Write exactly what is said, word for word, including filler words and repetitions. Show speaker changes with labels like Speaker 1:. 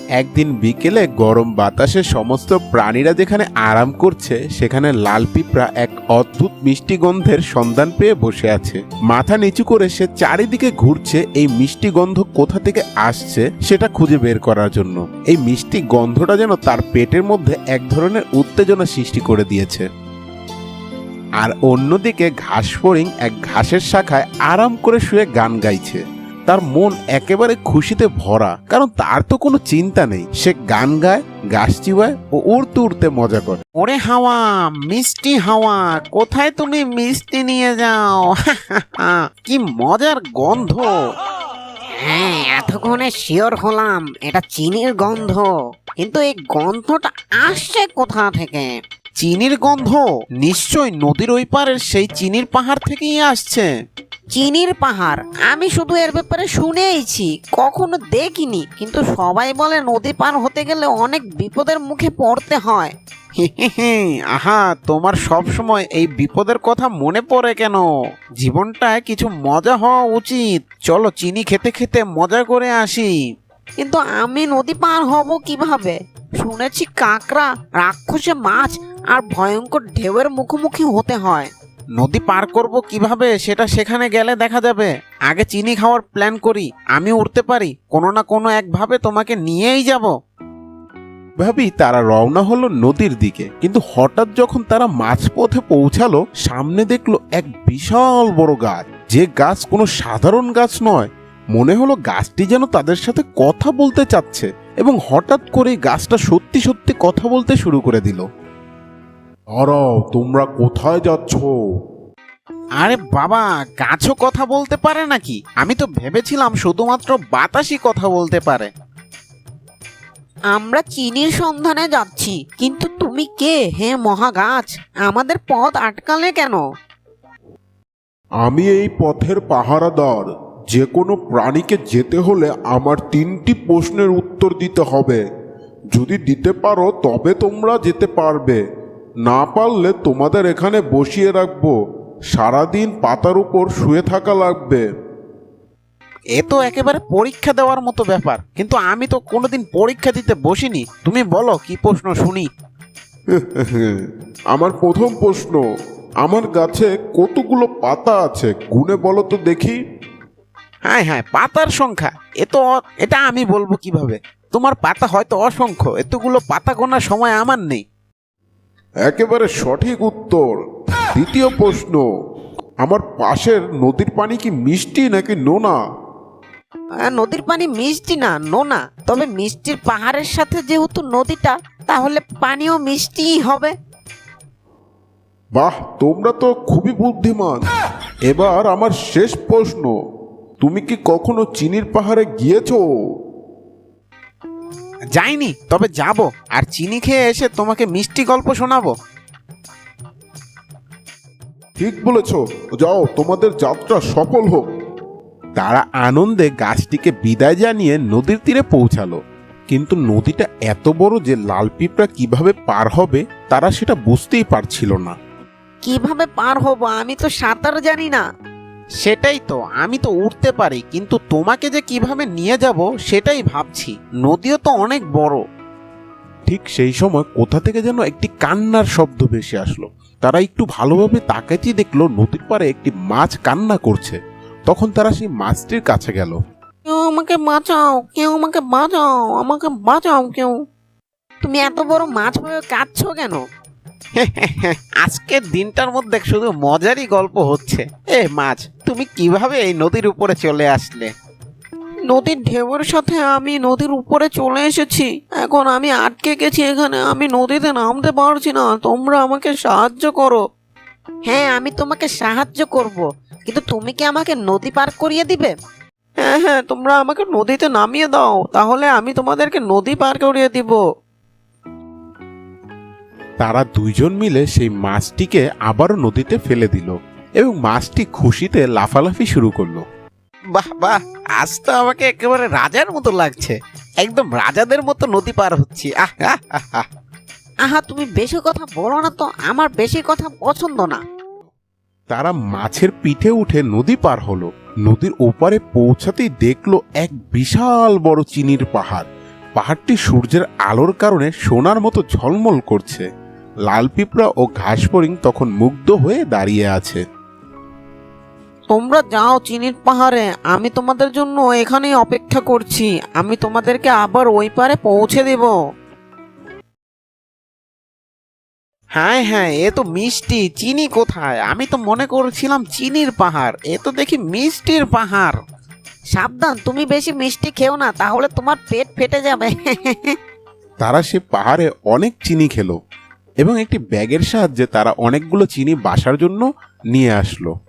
Speaker 1: একদিন বিকেলে গরম বাতাসে সমস্ত প্রাণীরা যেখানে আরাম করছে সেখানে লাল পিঁপড়া এক অদ্ভুত মিষ্টি গন্ধের সন্ধান পেয়ে বসে আছে। মাথা নিচু করে সে চারিদিকে ঘুরছে এই মিষ্টি গন্ধ কোথা থেকে আসছে সেটা খুঁজে বের করার জন্য। এই মিষ্টি গন্ধটা যেন তার পেটের মধ্যে এক ধরনের উত্তেজনা সৃষ্টি করে দিয়েছে। আর অন্যদিকে ঘাস ফড়িং এক ঘাসের শাখায় আরাম করে শুয়ে গান গাইছে। তার মন একেবারে খুশিতে ভরা, কারণ তার তো কোনো চিন্তা নেই। সে গান গায়, গাছ চিবায় ও উড়তে উড়তে মজা করে।
Speaker 2: ওরে হাওয়া, মিষ্টি হাওয়া, কোথায় তুমি মিষ্টি নিয়ে যাও? কি মজার গন্ধ!
Speaker 3: হ্যাঁ, এতক্ষণে শিওর হলাম এটা চিনির গন্ধ, কিন্তু এই গন্ধটা আসছে কোথা থেকে?
Speaker 2: চিনির গন্ধ নিশ্চয় নদীর ওই পারের সেই চিনির পাহাড় থেকেই আসছে।
Speaker 3: চিনির পাহাড়? আমি শুধু এর ব্যাপারে শুনেইছি, কখনো দেখিনি। কিন্তু সবাই বলে নদী পার হতে গেলে অনেক বিপদের মুখে পড়তে হয়।
Speaker 2: আহা, তোমার সব সময় এই বিপদের কথা মনে পড়ে কেন? জীবনটায় কিছু মজা হওয়া উচিত। চলো চিনি খেতে খেতে মজা করে আসি।
Speaker 3: কিন্তু আমি নদী পার হব কিভাবে? শুনেছি কাঁকড়া, রাক্ষসে মাছ আর ভয়ঙ্কর ঢেউয়ের মুখোমুখি হতে হয়।
Speaker 2: নদী পার করব কিভাবে সেটা সেখানে গেলে দেখা যাবে। আগে চিনি খাওয়ার প্ল্যান করি। আমি উঠতে পারি, কোনো না কোনো একভাবে তোমাকে নিয়েই যাব।
Speaker 1: ভাবি তারা রওনা হলো নদীর দিকে, কিন্তু হঠাৎ যখন তারা মাঝপথে পৌঁছালো, সামনে দেখলো এক বিশাল বড় গাছ। যে গাছ কোনো সাধারণ গাছ নয়, মনে হলো গাছটি যেন তাদের সাথে কথা বলতে চাচ্ছে, এবং হঠাৎ করে গাছটা সত্যি সত্যি কথা বলতে শুরু করে দিল।
Speaker 4: দাঁড়াও, তোমরা কোথায় যাচ্ছ?
Speaker 2: আরে বাবা, গাছও কথা বলতে পারে নাকি? আমি তো ভেবেছিলাম শুধুমাত্র বাতাসই কথা বলতে পারে।
Speaker 3: আমরা চিনির সন্ধানে যাচ্ছি, কিন্তু তুমি কে হে মহাগাছ? আমাদের পথ আটকালে কেন?
Speaker 4: আমি এই পথের পাহারাদার। যে কোনো প্রাণীকে যেতে হলে আমার তিনটি প্রশ্নের উত্তর দিতে হবে। যদি দিতে পারো তবে তোমরা যেতে পারবে, না পারলে তোমাদের এখানে বসিয়ে রাখবো। সারাদিন পাতার উপর শুয়ে থাকা লাগবে।
Speaker 2: এ তো একেবারে পরীক্ষা দেওয়ার মতো ব্যাপার, কিন্তু আমি তো কোনোদিন পরীক্ষা দিতে বসিনি। তুমি বলো কি প্রশ্ন শুনি।
Speaker 4: আমার প্রথম প্রশ্ন, আমার গাছে কতগুলো পাতা আছে গুনে বলো তো দেখি।
Speaker 2: হ্যাঁ হ্যাঁ, পাতার সংখ্যা? এ তো এটা আমি বলবো কিভাবে? তোমার পাতা হয়তো অসংখ্য, এতগুলো পাতা গোনার সময় আমার নেই।
Speaker 4: একেবারে সঠিক উত্তর। দ্বিতীয় প্রশ্ন, আমার পাশের নদীর পানি কি মিষ্টি নাকি নোনা?
Speaker 3: আহ, নদীর পানি মিষ্টি না, নোনা। তবে মিষ্টির পাহাড়ের সাথে যেহেতু নদীটা, তাহলে পানিও মিষ্টিই হবে।
Speaker 4: বাহ, তোমরা তো খুবই বুদ্ধিমান। এবার আমার শেষ প্রশ্ন, তুমি কি কখনো চিনির পাহাড়ে গিয়েছো?
Speaker 2: যাইনি, তবে যাব, আর চিনি খেয়ে এসে তোমাকে মিষ্টি গল্প শোনাবো।
Speaker 4: ঠিক বলেছ, যাও, তোমাদের যাত্রা সফল হোক।
Speaker 1: তারা আনন্দে গাছটিকে বিদায় জানিয়ে নদীর তীরে পৌঁছালো। কিন্তু নদীটা এত বড় যে লাল পিঁপড়া কিভাবে পার হবে তারা সেটা বুঝতেই পারছিল না।
Speaker 3: কিভাবে পার হব? আমি তো সাঁতার জানি না।
Speaker 2: সেটাই তো, আমি তো উঠতে পারি, কিন্তু তোমাকে যে কিভাবে নিয়ে যাব সেটাই ভাবছি। নদীও তো অনেক বড়।
Speaker 1: ঠিক সেই সময় কোথা থেকে যেন একটি কান্নার শব্দ ভেসে আসলো। তারা একটু ভালোভাবে তাকাতেই দেখলো নদীর পাড়ে একটি মাছ কান্না করছে। তখন তারা সেই মাছটির কাছে গেল।
Speaker 3: কেউ আমাকে বাঁচাও, কেউ আমাকে বাঁচাও, আমাকে বাঁচাও কেউ। তুমি এত বড় মাছ হয়ে কাঁদছো কেন?
Speaker 2: আজকের দিনটার মধ্যে শুধু মজারই গল্প হচ্ছে। এ মাছ, তুমি কিভাবে এই নদীর উপরে চলে আসলে?
Speaker 3: নদীর ঢেউয়ের সাথে আমি নদীর উপরে চলে এসেছি। এখন আমি আটকে গেছি এখানে, আমি নদীতে নামতে পারছি না। তোমরা আমাকে সাহায্য করো। হ্যাঁ, আমি তোমাকে সাহায্য করব, কিন্তু তুমি কি আমাকে নদী পার করিয়ে দিবে? হ্যাঁ হ্যাঁ, তোমরা আমাকে নদীতে নামিয়ে দাও, তাহলে আমি তোমাদেরকে নদী পার করিয়ে দিব।
Speaker 1: তারা দুইজন মিলে সেই মাছটিকে আবারও নদীতে ফেলে দিল, এবং মাছটি খুশিতে লাফালাফি শুরু করলো।
Speaker 2: বাহ বাহ, আজ তো আমাকে একেবারে রাজার মতো লাগছে। একদম রাজাদের মতো নদী পার হচ্ছি। আহ আহ, আহ, আহ।
Speaker 3: আহা, তুমি বেশি কথা বলো না তো, আমার বেশি কথা পছন্দ না।
Speaker 1: তারা মাছের পিঠে উঠে নদী পার হলো। নদীর ওপারে পৌঁছাতেই দেখলো এক বিশাল বড় চিনির পাহাড়। পাহাড়টি সূর্যের আলোর কারণে সোনার মতো ঝলমল করছে। লাল পিঁপড়া ও ঘাস ফড়িং তখন মুগ্ধ হয়ে দাঁড়িয়ে আছে।
Speaker 3: তোমরা যাও চিনির পাহাড়ে, আমি তোমাদের জন্য এখানেই অপেক্ষা করছি। আমি তোমাদেরকে আবার ওই পারে পৌঁছে দেব।
Speaker 2: হ্যাঁ হ্যাঁ, এ তো মিষ্টি। চিনি কোথায়? আমি তো মনে করছিলাম চিনির পাহাড়, এ তো দেখি মিষ্টির পাহাড়।
Speaker 3: সাবধান, তুমি বেশি মিষ্টি খেও না, তাহলে তোমার পেট ফেটে যাবে।
Speaker 1: তারা সে পাহাড়ে অনেক চিনি খেলো এবং একটি ব্যাগের সাহায্যে তারা অনেকগুলো চিনি বাসার জন্য নিয়ে আসলো।